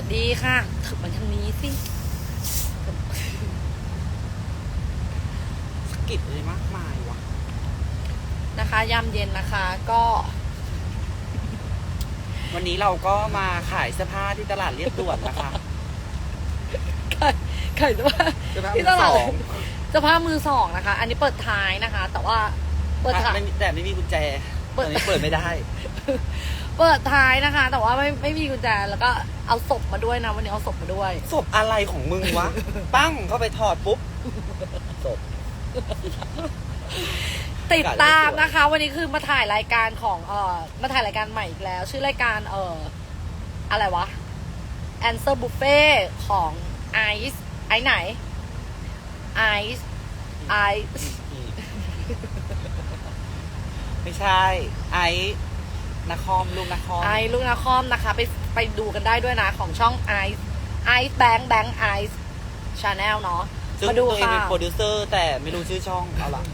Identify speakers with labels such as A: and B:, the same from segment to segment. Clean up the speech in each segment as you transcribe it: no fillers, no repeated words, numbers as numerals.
A: ดีค่ะถึงมันทางนี้สิ
B: สกิดเลยมากมายวะ
A: นะคะยามเย็นนะคะก็
B: วันนี้เราก็มาขายเสื้อผ้าที่ตลาดเรียบด่วนนะคะ
A: ขายเสื้อผ้าที่ตลาดเสื้อผ้ามือสองนะคะอันนี้เปิดท้ายนะคะแต่ว่าเปิดท้าย
B: แต่ไม่มีกุญแจตอนนี้เปิดไม่ได้
A: เปิดท้ายนะคะแต่ว่าไม่มีกุญแจแล้วก็เอาศพมาด้วยนะวันนี้เอาศพมาด้วย
B: ศพอะไรของมึงวะ ปั้งเข้าไปถอดปุ๊บศพ
A: ติดตามนะคะวันนี้คือมาถ่ายรายการของมาถ่ายรายการใหม่อีกแล้วชื่อรายการอะไรวะ Answer Buffet ของไอซ์ไหนไอซ์
B: ไม่ใช่ไอ้นครลูกนคร
A: ลูกนครนะคะไปดูกันได้ด้วยนะของช่องไอซ์แบงค์ไอซ์ชาแนลเนาะ
B: มาดูค่ะเป็นโปรดิวเซอร์แต่ไม่รู้ชื่อช่องเอาล่ะ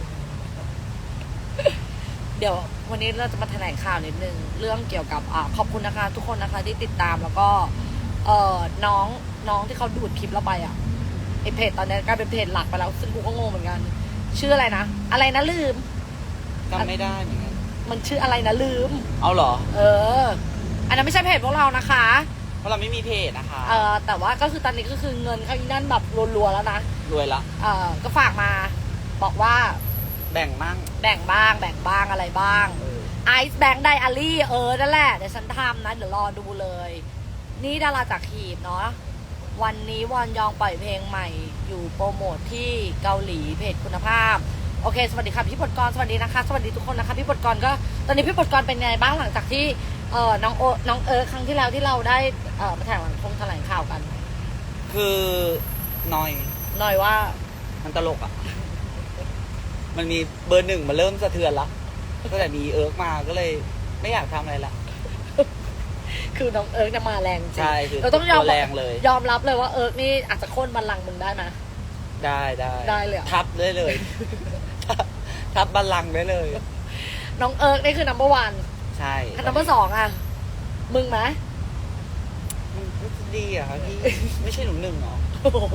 A: เดี๋ยววันนี้เราจะมาแถลงข่าวนิดนึงเรื่องเกี่ยวกับขอบคุณนะคะทุกคนนะคะที่ติดตามแล้วก็น้องที่เขาดูดคลิปเราไปไอเพจตอนนี้กลายเป็นเพจหลักไปแล้วซึ่งกูก็งงเหมือนกันชื่ออะไรนะลืม
B: จำไม่ได้เหมือนกัน
A: มันชื่ออะไรนะลืม
B: เอาเหรอ
A: อันนั้นไม่ใช่เพจพวกเรานะคะ
B: เพราะเราไม่มีเพจนะคะ
A: แต่ว่าก็คือตอนนี้ก็คือเงินเขาอีนั่นแบบรัวๆแล้วนะ
B: รวยละ
A: ก็ฝากมาบอกว่า
B: แบ่งบ้าง
A: อะไรบ้างไอซ์แบงค์ไดอารี่นั่นแหละเดี๋ยวฉันทำนะเดี๋ยวรอดูเลยนี่ดาราจากขีดเนาะวันนี้วอนยองปล่อยเพลงใหม่อยู่โปรโมทที่เกาหลีเพจคุณภาพโอเคสวัสดีค่ะพี่ปดกรสวัสดีนะคะสวัสดีทุกคนนะคะพี่ปดกรก็ตอนนี้พี่ปดกรเป็นไงบ้างหลังจากที่น้องครั้งที่แล้วที่เราได้มาแถลงข่าวกัน
B: คือหน่อย
A: ว่า
B: มันตลกมันมีเบอร์หนึ่งมาเริ่มสะเทือนละก็แต่มีมาก็เลยไม่อยากทำอะไรละ
A: คือน้องจะมาแรงจริง
B: ใช่คือ
A: เราต้องยอม
B: แรงเลย
A: ยอมรับเลยว่านี่อาจจะโค่นบัลลังก์มึงได้ไหมได้เลย
B: ทับได้เลยทับบัลลังก์ได้เลย
A: น้องนี่คือ number 1ใช่ number 2มึงไหม
B: มันดีครับพี่ไม่ใช่หนู1หรอ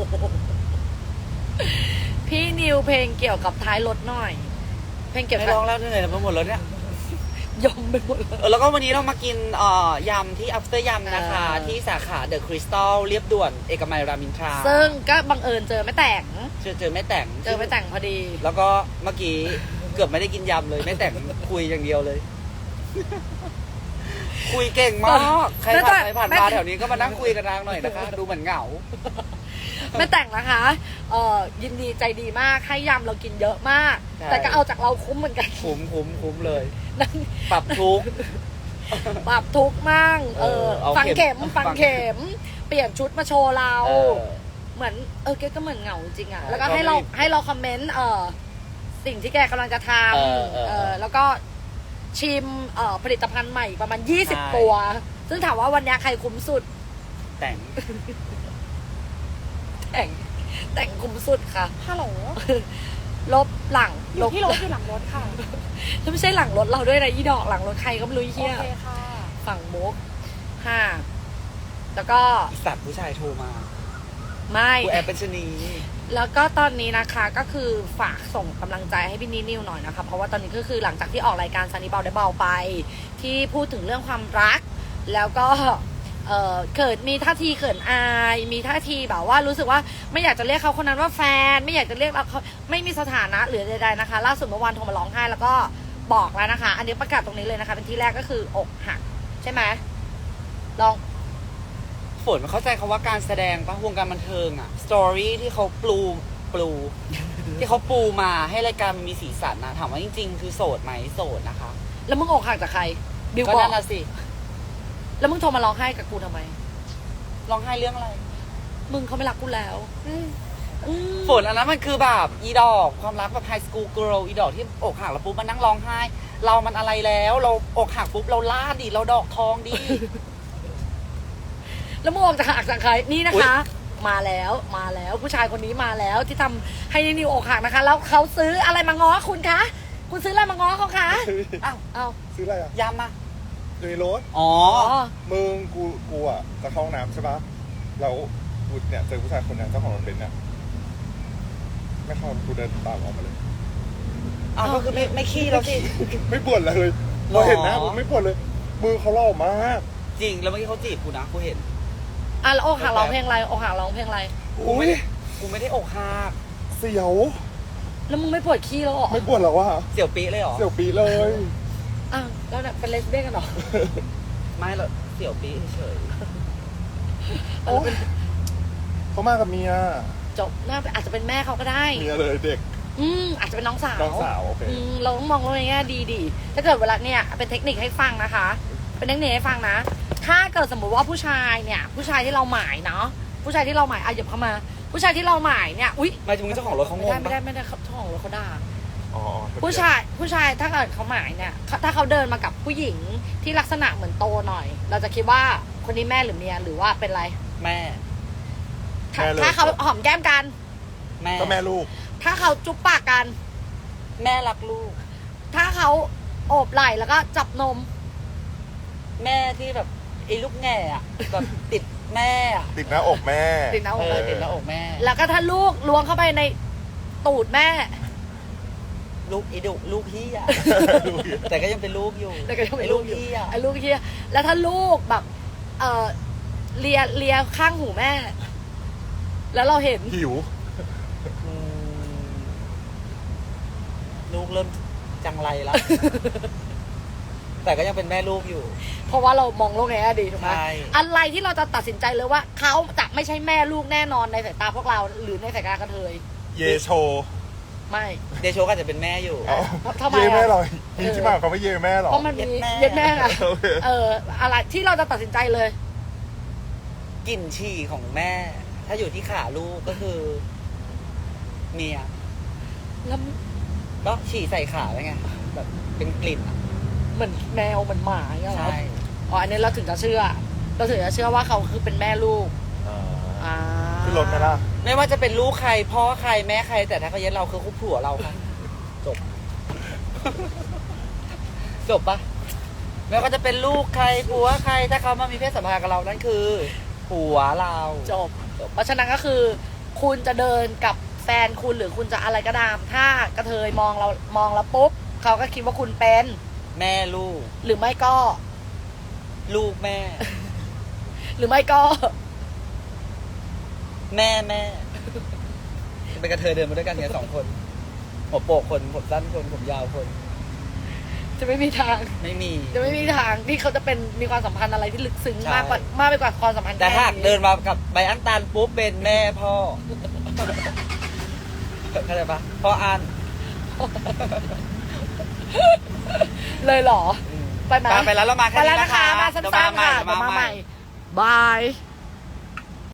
A: พี่นิวเพลงเกี่ยวกับท้ายรถหน่อยเพลงเกี่ยวกับ
B: ไม่ร้องแล้วเหนื่อยไปหมดแล้วเนี่ย
A: ยอมไปหมด
B: แล้วก็วันนี้เรามากินยำที่ after ยำนะคะที่สาขาเดอะคริสตัลเรียบด่วนเอกมัยรามอินทรา
A: ซึ่งก็บังเอิญเจอไม่แต่งพอดี
B: แล้วก็เมื่อกี้เกือบไม่ได้กินยำเลยไม่แต่งคุยอย่างเดียวเลยคุยเก่งมากใครผ่านมาแถวนี้ก็มานั่งคุยกันนางหน่อยนะคะดูเหมือนเหงา
A: ไม่แต่งนะคะยินดีใจดีมากให้ยำเรากินเยอะมากแต่ก็เอาจากเราคุ้มเหมือนกัน
B: คุ้มเลยปรับทุก
A: มั่งฟังเข็มเปลี่ยนชุดมาโชว์เราเหมือนแกก็เหมือนเหงาจริงแล้วก็ให้เราคอมเมนต์สิ่งที่แกกำลังจะทำแล้วก็ชิมผลิตภัณฑ์ใหม่ประมาณ20ตัวซึ่งถามว่าวันนี้ใครคุ้มสุด
B: แต่
A: งคุ้มสุดค่ะ
C: ฮัลโหล
A: ลบหลัง
C: อยู่ที่รถอยู่หลังรถค่ะ
A: ถ้าไม่ใช่หลังรถเราด้วยนะอีดอกหลังรถใครก็ไม่รู้เหี้ย
C: โอเคค่ะ
A: ฝั่งมุกแล้วก็
B: สัตว์ผู้ชายโทรมา
A: ไม่
B: กูแอบเป็นชนี
A: แล้วก็ตอนนี้นะคะก็คือฝากส่งกำลังใจให้พี่นิวหน่อยนะคะเพราะว่าตอนนี้ก็คือหลังจากที่ออกรายการซันนี่เบาได้เบาไปที่พูดถึงเรื่องความรักแล้วก็เกิดมีท่าทีเขินอายมีท่าทีแบบว่ารู้สึกว่าไม่อยากจะเรียกเขาคนนั้นว่าแฟนไม่อยากจะเรียกเขาไม่มีสถานะหรือใดๆนะคะล่าสุดเมื่อวานโทรมาร้องไห้แล้วก็บอกแล้วนะคะอันนี้ประกาศตรงนี้เลยนะคะเป็นที่แรกก็คืออกหักใช่ไหมลอง
B: ฝนเข้าใจคำว่าการแสดงปะวงการบันเทิงสตอรี่ที่เขาปู ที่เขาปูมาให้รายการมีสีสันนะถามว่าจริงๆคือโสดไหมโสดนะคะ
A: แล้วมึงอกหักจากใคร
B: บิวก็นั่นละสิ
A: แล้วมึงโทรมาร้องไห้กับกูทำไม
B: ร้องไห้เรื่องอะไร
A: มึงเขาไม่รักกูแล้ว
B: ฝนอันนั้นมันคือแบบอีดอกความรักแบบไฮสคูลเกิร์ลอีดอกที่อกหักแล้วปุ๊บมานั่งร้องไห้เรามันอะไรแล้วเราอกหักปุ๊บเราล่าดิเราดอกทองดิ
A: แล้วมึงออกจากหักจากใครนี่นะคะมาแล้วผู้ชายคนนี้มาแล้วที่ทำให้นิวอกหักนะคะแล้วเขาซื้ออะไรมาง้อคุณคะคุณซื้ออะไรมาง้อเขาคะ
B: อ้าว
D: ซื้ออะไร
B: ยำมา
D: อยู่ในรถ
B: อ๋อ
D: มึงกูจะเข้าห้องน้ำใช่ปะ
C: แล้วกูเนี่ยเจอผู้ชายคนนั้นเจ้าของรถเบนซ์เนี่ยไม่เข้ากูเดินตามออกมาเลย
B: อ้าวก็คือไม่ขี้แล้วสิ
C: ไม่บ่นเลย
B: หร
C: เรา
B: อ
C: เห็นนะผมไม่บ่นเลย มือเขาหล่อมาก
B: จริงแล้วเมื่อกี้เขาจีบกูนะกูเห็น
A: อ่ะแล้วอกหักร้องเพลงอะไรอกหักร้องเพลงอะไร
B: กูไม่ได้กูไม่ได้อกหัก
C: เสียว
A: แล้วมึงไม่ปวดขี้แล้วเหรอ
C: ไม่บ่นหรอวะ
B: เสี่ยวปีเลยเหรอ
C: เสียวปีเลย
A: อ่ะแล้วเนี่ยเป็นเลสเบี้ยนกันเหรอ
B: ไม่หรอกเสี่ยวปีเฉย
C: โอ้ยเขามากับเมีย
A: จบน่าอาจจะเป็นแม่เขาก็ได้
C: เมียเลยเด็ก
A: อาจจะเป็นน้องสาว
C: น้องสาวโอเค
A: เราต้องมองในแง่ดีๆถ้าเกิดเวลาเนี่ยเป็นเทคนิคให้ฟังนะคะ เป็นเทคนิคให้ฟังนะ ถ้าเกิดสมมติว่าผู้ชายเนี่ยผู้ชายที่เราหมายเนาะผู้ชายที่เราหมายอ่ะหยิบเข้ามา ผู้ชายที่เราหมายเนี่ยอุ๊ย
B: ๆไม่จริงๆเจ้าของรถเขางง
A: ไม่
B: ปะ
A: ได้เขาท้องรถเขาด่า
C: อ๋อ
A: ผู้ชายถ้าเกิดเขาหมายเนี่ยถ้าเขาเดินมากับผู้หญิงที่ลักษณะเหมือนโตหน่อย เราจะคิดว่าคนนี้แม่หรือเมียหรือว่าเป็นอะไร
B: แม่
A: ถ้าเขาหอมแก้มกัน
B: แม่
C: ก็แม่ลูก
A: ถ้าเขาจุ๊บปากกัน
B: แม่รักลูก
A: ถ้าเขาโอบไหล่แล้วก็จับนม
B: แม่ที่แบบไอ้ลูกแง่อะแบบติดแม่อะ
C: ติดหน้าอกแม่
A: ติดหน้าอก
B: ติดหน้าอกแม่
A: แล้วก็ถ้าลูกล้วงเข้าไปในตูดแม่
B: ลูกไอ้ดุลูกพี่อะแต่ก็ยังเป็นลูกอยู่
A: แล้วก็ยังเป็น
B: ไอ้
A: ลู
B: ลู
A: ก
B: ก
A: อยู่
B: พี่อะ
A: ไอ้ลูกเฮียแล้วถ้าลูกแบบเลียข้างหูแม่ แล้วเราเห็น
C: หิว
B: อืมลูกเริ่มจังไรแล้ว แต่ก็ยังเป็นแม่ลูกอยู่
A: เพราะว่าเรามองโลกในแง่ดีถูกไหม
B: ใช่
A: อะไรที่เราจะตัดสินใจเลยว่าเขาจะไม่ใช่แม่ลูกแน่นอนในสายตาพวกเรา หรือในสายตากระเทย
C: เยโช
A: ไม่
B: เดโชก็อาจจะเป็นแม่อยู่
C: อ๋อ
A: ทำไม
C: เยแม่
A: อะ
C: หรอมีที่มาของคำว่าเยแม่หรอ
A: เพราะมันมี
B: เย็ดแม่
A: เย็ดแม่อะ
C: โอเค
A: อะไรที่เราจะตัดสินใจเลย
B: กลิ่นฉี่ของแม่ ถ้าอยู่ที่ขาลูกก็คือ เมีย
A: แล้ว
B: ก็ฉี่ใส่ขาแล้วไงแบบเป็นกลิ่นอะ
A: เหมือนแมวเหมือนหมาอย่างเงี้ยเหรอ
B: ใช่
A: อ๋ออันนี้เราถึงจะเชื่อ เราถึงจะเชื่อว่าเขาคือเป็นแม่ลูก อ่า
C: ขึ้นรถไหมล่ะ
B: ไม่ว่าจะเป็นลูกใครพ่อใครแม่ใคร แต่ถ้าเขาเย็ดเราคือคู่ผัวเราค่ะ จบ จบปะไม่ว่าจะเป็นลูกใครผัวใคร ถ้าเขามามีเพศสัมพันธ์กับเรานั่นคือผัวเรา
A: จบ เพราะฉะนั้นก็คือ คุณจะเดินกับแฟนคุณหรือคุณจะอะไรก็ตาม ถ้ากระเทยมองเราปุ๊บเขาก็คิดว่าคุณเป็น
B: แม่ลูก
A: หรือไม่ก็
B: ลูกแม่
A: หรือไม่ก็
B: แม่เป็นกระเทยเดินมาด้วยกันเนี่ย2 คนหัวโปกคนผมสั้นคนผมยาวคน
A: จะไม่มีทาง
B: ไม่มี
A: จะไม่มีทางที่เขาจะเป็นมีความสัมพันธ์อะไรที่ลึกซึ้ง
B: ใช่
A: มากไปกว่าความสัมพันธ์
B: แต่หาก
A: ค่
B: เดินมากับใบอันตันปุ๊บเป็นแม่พ่อเข้าใจปะพ่ออัน
A: เลยเหรอ ไปไหม
B: ไปแล้วเรามาแค่
A: ไป
B: นี้
A: แล้ว
B: นะ
A: นะคะ คะ มาสั้นๆค่ะ
B: เดี๋ยวมาใหม่
A: บาย